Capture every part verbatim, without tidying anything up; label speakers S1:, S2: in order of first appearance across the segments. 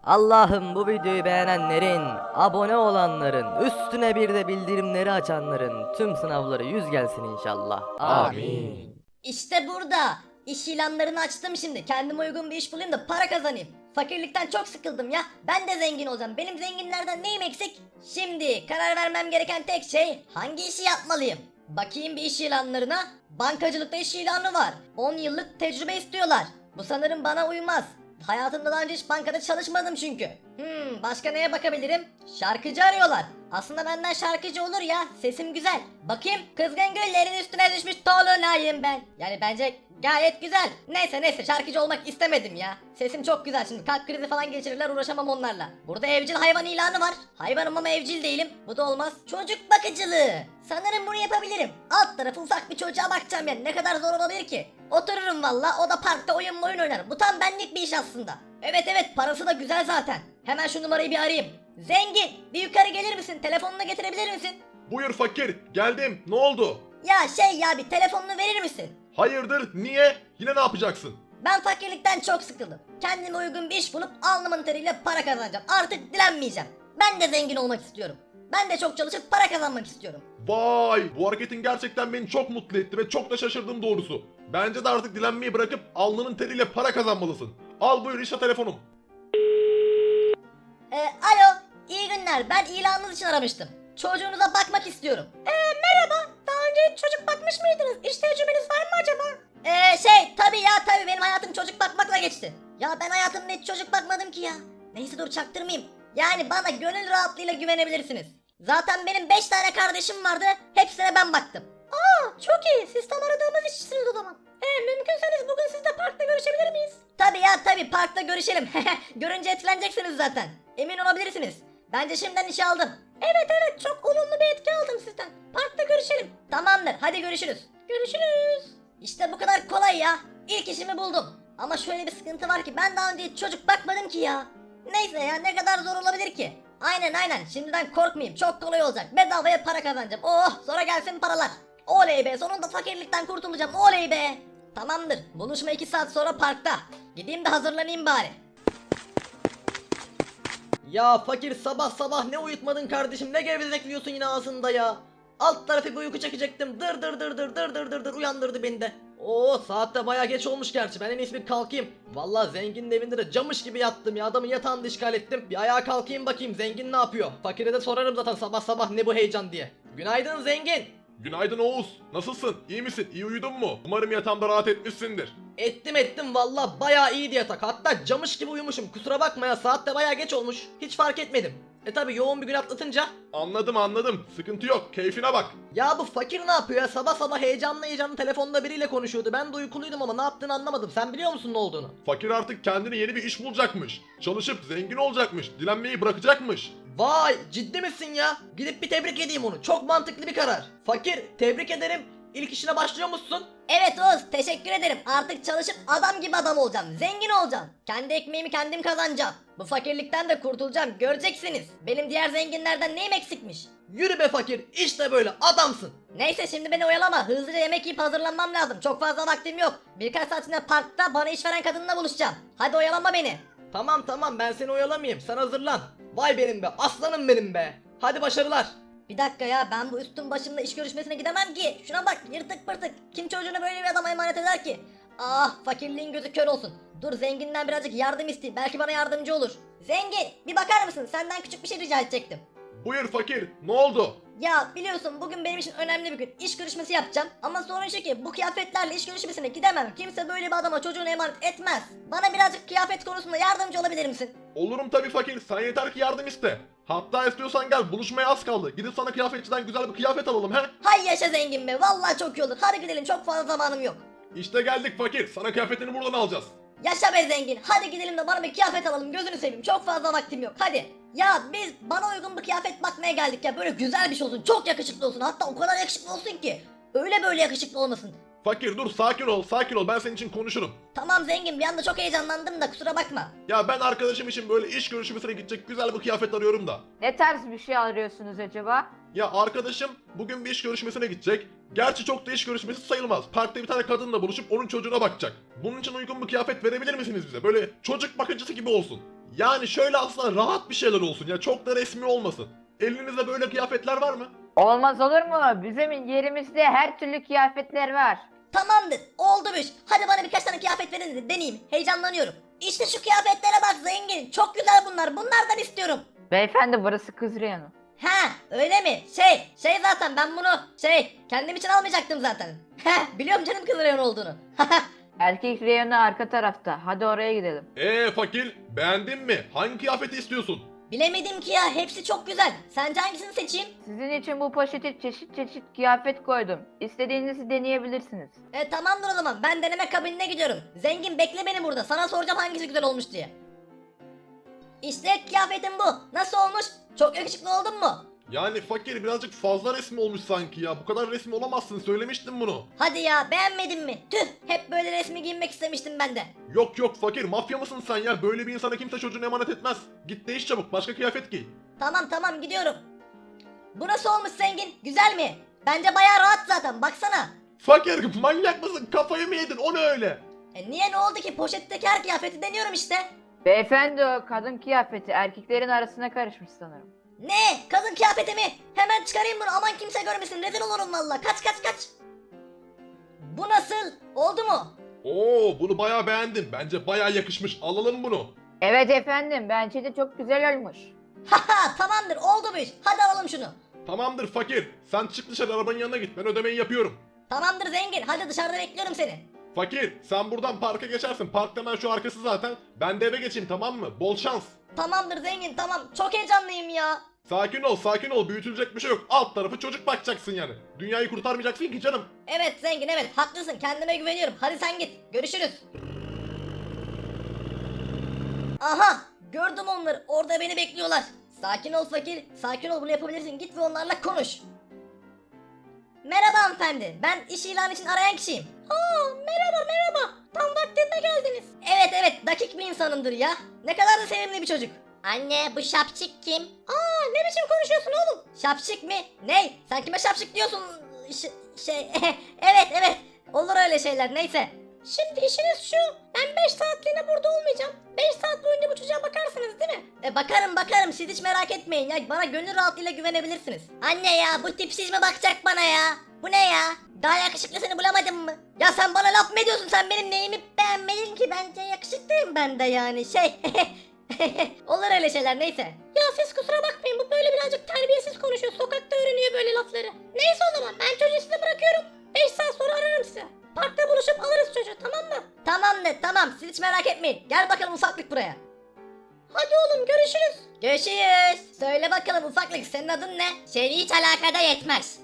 S1: Allah'ım bu videoyu beğenenlerin, abone olanların, üstüne bir de bildirimleri açanların tüm sınavları yüz gelsin inşallah. Amin.
S2: İşte burada. İş ilanlarını açtım şimdi. Kendime uygun bir iş bulayım da para kazanayım. Fakirlikten çok sıkıldım ya. Ben de zengin olacağım. Benim zenginlerden neyim eksik? Şimdi karar vermem gereken tek şey hangi işi yapmalıyım? Bakayım bir iş ilanlarına. Bankacılıkta iş ilanı var. on yıllık tecrübe istiyorlar. Bu sanırım bana uymaz. Hayatımda daha önce hiç bankada çalışmadım çünkü. Hmm, başka neye bakabilirim? Şarkıcı arıyorlar. Aslında benden şarkıcı olur ya. Sesim güzel. Bakayım. Kızgın güllerin üstüne düşmüş dolunayım ben. Yani bence gayet güzel. Neyse neyse şarkıcı olmak istemedim ya. Sesim çok güzel, şimdi kalp krizi falan geçirirler, uğraşamam onlarla. Burada evcil hayvan ilanı var. Hayvanım ama evcil değilim. Bu da olmaz. Çocuk bakıcılığı. Sanırım bunu yapabilirim. Alt tarafı ufak bir çocuğa bakacağım yani. Ne kadar zor olabilir ki? Otururum valla, o da parkta oyun oyun oynar. Bu tam benlik bir iş aslında. Evet evet, parası da güzel zaten. Hemen şu numarayı bir arayayım. Zengin, bir yukarı gelir misin? Telefonunu getirebilir misin?
S3: Buyur fakir, geldim. Ne oldu?
S2: Ya şey ya, bir telefonunu verir misin?
S3: Hayırdır, niye? Yine ne yapacaksın?
S2: Ben fakirlikten çok sıkıldım. Kendime uygun bir iş bulup alnımın teriyle para kazanacağım. Artık dilenmeyeceğim. Ben de zengin olmak istiyorum. Ben de çok çalışıp para kazanmak istiyorum.
S3: Vay, bu hareketin gerçekten beni çok mutlu etti ve çok da şaşırdım doğrusu. Bence de artık dilenmeyi bırakıp alnının teriyle para kazanmalısın. Al buyur işte telefonum.
S2: Ee, alo, iyi günler. Ben ilanınız için aramıştım. Çocuğunuza bakmak istiyorum. Ee, merhaba. Daha önce hiç çocuk bakmış mıydınız? İş tecrübeniz var mı acaba? Ee, şey, tabii ya tabii, benim hayatım çocuk bakmakla geçti. Ya ben hayatımda hiç çocuk bakmadım ki ya. Neyse dur, çaktırmayayım. Yani bana gönül rahatlığıyla güvenebilirsiniz. Zaten benim beş tane kardeşim vardı. Hepsine ben baktım. Aa, çok iyi. Siz tam aradığımız işçisiniz o zaman. Ee, mümkünseniz bugün sizle parkta görüşebilir miyiz? Tabii ya tabii, parkta görüşelim. Görünce etkileneceksiniz zaten. Emin olabilirsiniz. Bence şimdiden işe aldım. Evet evet, çok olumlu bir etki aldım sizden. Parkta görüşelim. Tamamdır, hadi görüşürüz. Görüşürüz. İşte bu kadar kolay ya. İlk işimi buldum. Ama şöyle bir sıkıntı var ki ben daha önce hiç çocuk bakmadım ki ya. Neyse ya, ne kadar zor olabilir ki? Aynen aynen, şimdiden korkmayayım, çok kolay olacak. Bedavaya para kazanacağım. Oh, sonra gelsin paralar. Oley be, sonunda fakirlikten kurtulacağım, oley be. Tamamdır, buluşma iki saat sonra parkta. Gideyim de hazırlanayım bari.
S1: Ya fakir, sabah sabah ne uyutmadın kardeşim, ne gevezekliyorsun yine ağzında ya. Alt tarafı bir uyku çekecektim, dır dır dır dır dır dır dır dır uyandırdı beni de. Oo, saat de baya geç olmuş gerçi, ben en iyisi bir kalkayım. Vallahi zenginin evinde de camış gibi yattım ya, adamın yatağını işgal ettim. Bir ayağa kalkayım bakayım zengin ne yapıyor. Fakire de sorarım zaten sabah sabah ne bu heyecan diye. Günaydın zengin.
S3: Günaydın Oğuz, nasılsın? İyi misin? İyi uyudun mu? Umarım yatağında rahat etmişsindir.
S1: Ettim ettim valla, bayağı iyiydi yatak, hatta camış gibi uyumuşum, kusura bakma ya, saat de bayağı geç olmuş, hiç fark etmedim. E tabi yoğun bir gün atlatınca.
S3: Anladım anladım, sıkıntı yok, keyfine bak.
S1: Ya bu fakir ne yapıyor ya, sabah sabah heyecanlı heyecanlı telefonda biriyle konuşuyordu, ben de uykuluydum ama ne yaptığını anlamadım, sen biliyor musun ne olduğunu?
S3: Fakir artık kendine yeni bir iş bulacakmış. Çalışıp zengin olacakmış, dilenmeyi bırakacakmış.
S1: Vay, ciddi misin ya? Gidip bir tebrik edeyim onu, çok mantıklı bir karar. Fakir, tebrik ederim, ilk işine başlıyor musun?
S2: Evet Oğuz, teşekkür ederim. Artık çalışıp adam gibi adam olacağım. Zengin olacağım. Kendi ekmeğimi kendim kazanacağım. Bu fakirlikten de kurtulacağım. Göreceksiniz. Benim diğer zenginlerden neyim eksikmiş?
S1: Yürü be fakir, işte böyle adamsın.
S2: Neyse şimdi beni oyalama. Hızlıca yemek yiyip hazırlanmam lazım. Çok fazla vaktim yok. Birkaç saat içinde parkta bana iş veren kadınla buluşacağım. Hadi oyalama beni.
S1: Tamam tamam, ben seni oyalamayayım, sen hazırlan. Vay benim be, aslanım benim be. Hadi başarılar.
S2: Bir dakika ya, ben bu üstün başımda iş görüşmesine gidemem ki. Şuna bak, yırtık pırtık. Kim çocuğunu böyle bir adama emanet eder ki? Ah, fakirliğin gözü kör olsun. Dur, zenginden birazcık yardım isteyeyim. Belki bana yardımcı olur. Zengin, bir bakar mısın? Senden küçük bir şey rica edecektim.
S3: Buyur fakir, ne oldu?
S2: Ya biliyorsun bugün benim için önemli bir gün. İş görüşmesi yapacağım. Ama sorun şu ki bu kıyafetlerle iş görüşmesine gidemem. Kimse böyle bir adama çocuğunu emanet etmez. Bana birazcık kıyafet konusunda yardımcı olabilir misin?
S3: Olurum tabii fakir, sen yeter ki yardım iste. Hatta istiyorsan gel, buluşmaya az kaldı. Gidip sana kıyafetçiden güzel bir kıyafet alalım he.
S2: Hay yaşa zengin be, vallahi çok iyi olur. Hadi gidelim, çok fazla zamanım yok.
S3: İşte geldik fakir, sana kıyafetini buradan alacağız.
S2: Yaşa be zengin, hadi gidelim de bana bir kıyafet alalım, gözünü seveyim, çok fazla vaktim yok, hadi. Ya biz bana uygun bir kıyafet bakmaya geldik ya, böyle güzel bir şey olsun, çok yakışıklı olsun, hatta o kadar yakışıklı olsun ki öyle böyle yakışıklı olmasın.
S3: Fakir dur, sakin ol, sakin ol, ben senin için konuşurum.
S2: Tamam zengin, bir anda çok heyecanlandım da kusura bakma.
S3: Ya ben arkadaşım için böyle iş görüşmesine gidecek güzel bir kıyafet arıyorum da.
S4: Ne tarz bir şey arıyorsunuz acaba?
S3: Ya arkadaşım bugün bir iş görüşmesine gidecek. Gerçi çok da iş görüşmesi sayılmaz. Parkta bir tane kadınla buluşup onun çocuğuna bakacak. Bunun için uygun bir kıyafet verebilir misiniz bize? Böyle çocuk bakıcısı gibi olsun. Yani şöyle aslında rahat bir şeyler olsun ya, çok da resmi olmasın. Elinizde böyle kıyafetler var mı?
S4: Olmaz olur mu? Bizim yerimizde her türlü kıyafetler var.
S2: Tamamdır, oldu bu iş. Hadi bana birkaç tane kıyafet verin de deneyeyim. Heyecanlanıyorum. İşte şu kıyafetlere bak zengin. Çok güzel bunlar. Bunlardan istiyorum.
S4: Beyefendi burası kız reyonu.
S2: Ha, öyle mi? Şey, şey zaten ben bunu şey kendim için almayacaktım zaten. Heh, biliyorum canım kız reyon olduğunu.
S4: Erkek reyonu arka tarafta. Hadi oraya gidelim.
S3: Eee fakir, beğendin mi? Hangi kıyafeti istiyorsun?
S2: Bilemedim ki ya, hepsi çok güzel. Sence hangisini seçeyim?
S4: Sizin için bu poşete çeşit çeşit kıyafet koydum. İstediğinizi deneyebilirsiniz.
S2: E tamamdır o zaman, ben deneme kabinine gidiyorum. Zengin bekle beni burada, sana soracağım hangisi güzel olmuş diye. İşte kıyafetim bu. Nasıl olmuş? Çok yakışıklı oldum mu?
S3: Yani fakir birazcık fazla resmi olmuş sanki ya. Bu kadar resmi olamazsın, söylemiştim bunu.
S2: Hadi ya, beğenmedin mi? Tüh, hep böyle resmi giyinmek istemiştim ben de.
S3: Yok yok fakir, mafya mısın sen ya? Böyle bir insana kimse çocuğunu emanet etmez. Git değiş çabuk, başka kıyafet giy.
S2: Tamam tamam gidiyorum. Bu nasıl olmuş zengin? Güzel mi? Bence bayağı rahat zaten, baksana.
S3: Fakir manyak mısın? Kafayı mı yedin? O ne öyle?
S2: E niye, ne oldu ki? Poşetteki her kıyafeti deniyorum işte.
S4: Beyefendi o kadın kıyafeti erkeklerin arasına karışmış sanırım.
S2: Ne? Kadın kıyafeti mi? Hemen çıkarayım bunu, aman kimse görmesin, rezil olurum valla. Kaç kaç kaç. Bu nasıl? Oldu mu?
S3: Oo, bunu bayağı beğendim. Bence bayağı yakışmış. Alalım bunu.
S4: Evet efendim bence de çok güzel olmuş.
S2: Haha tamamdır, oldu bu iş. Hadi alalım şunu.
S3: Tamamdır fakir. Sen çık dışarı, arabanın yanına git. Ben ödemeyi yapıyorum.
S2: Tamamdır zengin, hadi dışarıda bekliyorum seni.
S3: Fakir, sen buradan parka geçersin. Park hemen şu arkası zaten. Ben de eve geçeyim, tamam mı? Bol şans.
S2: Tamamdır zengin, tamam. Çok heyecanlıyım ya.
S3: Sakin ol, sakin ol. Büyütülecek bir şey yok. Alt tarafı çocuk bakacaksın yani. Dünyayı kurtarmayacaksın ki canım.
S2: Evet zengin, evet haklısın, kendime güveniyorum. Hadi sen git, görüşürüz. Aha, gördüm onları, orada beni bekliyorlar. Sakin ol fakir, sakin ol, bunu yapabilirsin. Git ve onlarla konuş. Merhaba hanımefendi, ben iş ilanı için arayan kişiyim. Aa, merhaba merhaba, tam vaktinde geldiniz. Evet evet, dakik bir insanımdır ya. Ne kadar da sevimli bir çocuk. Anne, bu şapşik kim? Aa, ne biçim konuşuyorsun oğlum? Şapşik mi? Ney? Sen kime şapşik diyorsun? Ş- şey, evet evet, olur öyle şeyler, neyse. Şimdi işiniz şu, ben beş saatliğine burada olmayacağım. beş saat boyunca bu çocuğa bakarsınız değil mi? E bakarım bakarım, siz hiç merak etmeyin ya, bana gönül rahatlığıyla güvenebilirsiniz. Anne ya, bu tipsiz mi bakacak bana ya? Bu ne ya? Daha yakışıklısını bulamadın mı? Ya sen bana laf mı ediyorsun, sen benim neyimi beğenmedin ki, bence yakışıklıyım ben de yani şey. Olur öyle şeyler, neyse. Ya siz kusura bakmayın, bu böyle birazcık terbiyesiz konuşuyor, sokakta öğreniyor böyle lafları. Neyse o zaman, ben çocuğu size bırakıyorum. beş saat sonra ararım size. Parkta buluşup alırız çocuğu, tamam mı? Tamamdır tamam, siz hiç merak etmeyin. Gel bakalım ufaklık buraya. Hadi oğlum, görüşürüz. Görüşürüz. Söyle bakalım ufaklık, senin adın ne? Seni hiç alakada yetmez.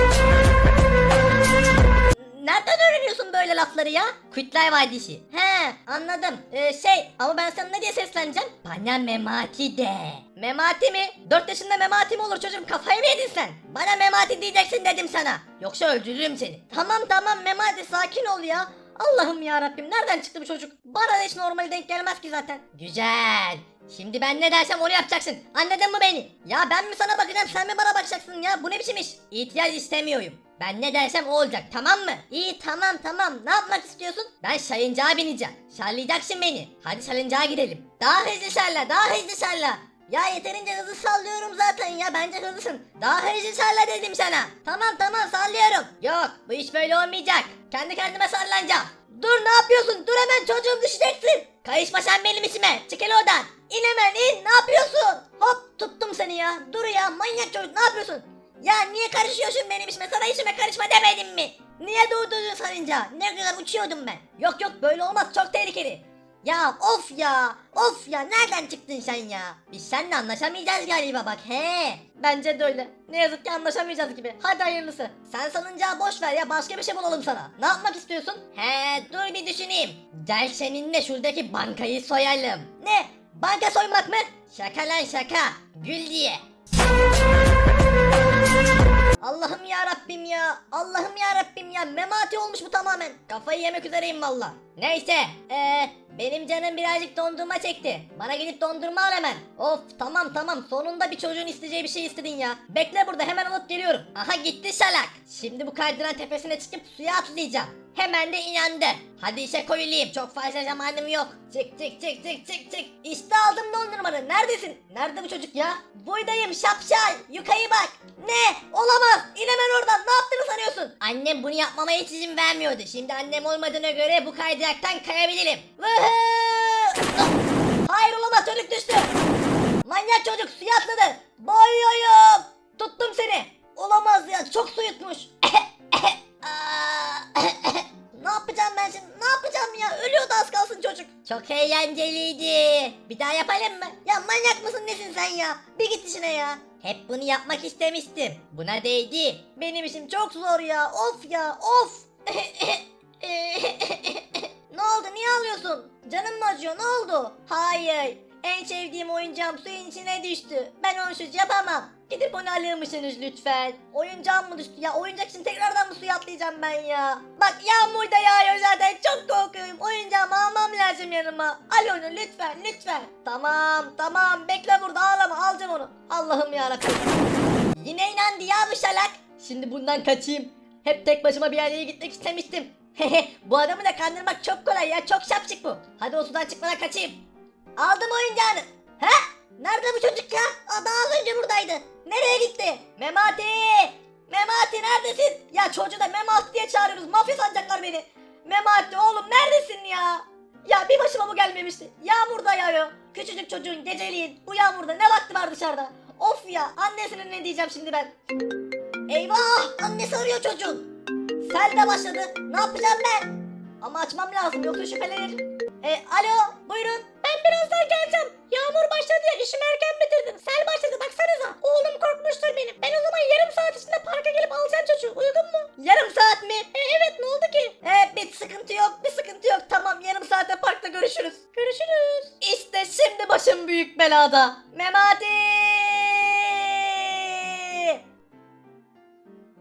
S2: Nereden öğreniyorsun böyle lafları ya? Kutlar Vadisi. He, anladım. Ee, şey, ama ben sana ne diye sesleneceğim? Bana Memati de. Memati mi? dört yaşında Memati mi olur çocuğum, kafayı mı yedin sen? Bana Memati diyeceksin dedim sana. Yoksa öldürürüm seni. Tamam tamam Memati, sakin ol ya. Allah'ım ya Rabbim, nereden çıktı bu çocuk? Bana da hiç normali denk gelmez ki zaten. Güzel. Şimdi ben ne dersem onu yapacaksın. Anladın mı beni? Ya ben mi sana bakacağım, sen mi bana bakacaksın ya? Bu ne biçim iş? İtiraz istemiyorum. Ben ne dersem o olacak, tamam mı? İyi tamam tamam, ne yapmak istiyorsun? Ben salıncağa bineceğim. Sallayacaksın beni. Hadi salıncağa gidelim. Daha hızlı salla, daha hızlı salla. Ya yeterince hızlı sallıyorum zaten ya, bence hızlısın. Daha hızlı salla dedim sana. Tamam tamam sallıyorum. Yok, bu iş böyle olmayacak. Kendi kendime sallanacağım. Dur, ne yapıyorsun? Dur, hemen çocuğum düşeceksin. Karışma sen benim işime. Çık hele oradan. İn hemen in, ne yapıyorsun? Hop, tuttum seni ya. Dur ya, manyak çocuk, ne yapıyorsun? Ya niye karışıyorsun benim işime? Sana işime karışma demedim mi? Niye durdurdun sarınca? Ne güzel uçuyordum ben. Yok yok, böyle olmaz, çok tehlikeli. Ya of ya, of ya, nereden çıktın sen ya? Biz seninle anlaşamayacağız galiba bak, he. Bence de öyle. Ne yazık ki anlaşamayacağız gibi. Hadi hayırlısı. Sen salıncağı boş ver ya, başka bir şey bulalım sana. Ne yapmak istiyorsun? He, dur bir düşüneyim. Gel seninle şuradaki bankayı soyalım. Ne? Banka soymak mı? Şaka lan şaka. Gül diye. Allah'ım ya Rabbim ya. Allah'ım ya Rabbim ya. Memati olmuş bu tamamen. Kafayı yemek üzereyim valla. Neyse. Ee, benim canım birazcık dondurma çekti. Bana gidip dondurma al hemen. Of tamam tamam. Sonunda bir çocuğun isteyeceği bir şey istedin ya. Bekle burada hemen alıp geliyorum. Aha gitti şalak. Şimdi bu kaydıran tepesine çıkıp suya atlayacağım. Hemen de inandı. Hadi işe koyulayım. Çok fazla zamanım yok. Çık çık çık çık çık çık. İşte aldım dondurmanı. Neredesin? Nerede bu çocuk ya? Buydayım şapşal. Yukarı bak. Ne? Olamaz. İn hemen oradan. Ne yaptığını sanıyorsun? Annem bunu yapmama hiç izin vermiyordu. Şimdi annem olmadığına göre bu kaydıraktan kayabilirim. Vıhı! Hayır olamaz, çocuk düştü. Manyak çocuk suya atladı. Boyuyorum. Tuttum seni. Olamaz ya, çok su yutmuş. Ne yapacağım ben şimdi? Ne yapacağım ya? Ölüyordu az kalsın çocuk. Çok eğlenceliydi. Bir daha yapalım mı? Ya manyak mısın nesin sen ya? Bir git işine ya. Hep bunu yapmak istemiştim. Buna değdi. Benim işim çok zor ya. Of ya of. Ne oldu? Niye ağlıyorsun? Canın mı acıyor? Ne oldu? Hayır. En sevdiğim oyuncağım suyun içine düştü. Ben onsuz yapamam. Gidip onu alır mısınız lütfen? Oyuncağım mı düştü ya? Oyuncak için tekrardan mı suya atlayacağım ben ya? Bak yağmur da yağıyor zaten. Çok korkuyorum. Oyuncağımı almam lazım yanıma. Al onu lütfen lütfen. Tamam tamam. Bekle burada, ağlama. Alacağım onu. Allah'ım yarabbim. Yine inandı ya bu şalak. Şimdi bundan kaçayım. Hep tek başıma bir yerlere gitmek istemiştim. Bu adamı da kandırmak çok kolay ya. Çok şapşık bu. Hadi o sudan çıkmadan kaçayım. Aldım oyuncağını. He? Nerede bu çocuk ya? Aa, daha az önce buradaydı. Nereye gitti? Memati! Memati neredesin? Ya çocuğu da Memati diye çağırıyoruz. Mafya sanacaklar beni. Memati oğlum neredesin ya? Ya bir başıma bu gelmemişti. Yağmur da yağıyor. Küçücük çocuğun geceliğin bu yağmurda ne vakti var dışarıda? Of ya, annesine ne diyeceğim şimdi ben? Eyvah! Annesi arıyor çocuğun. Sel de başladı. Ne yapacağım ben? Ama açmam lazım yoksa şüphelenirim. E, alo buyurun. Ben birazdan geleceğim. Yağmur başladı ya, işimi erken bitirdim. Sel başladı baksanıza. Oğlum korkmuştur benim. Ben o zaman yarım saat içinde parka gelip alacağım çocuğu. Uygun mu? Yarım saat mi? E, evet ne oldu ki? E, bir sıkıntı yok bir sıkıntı yok. Tamam yarım saatte parkta görüşürüz. Görüşürüz. İşte şimdi başım büyük belada. Memati!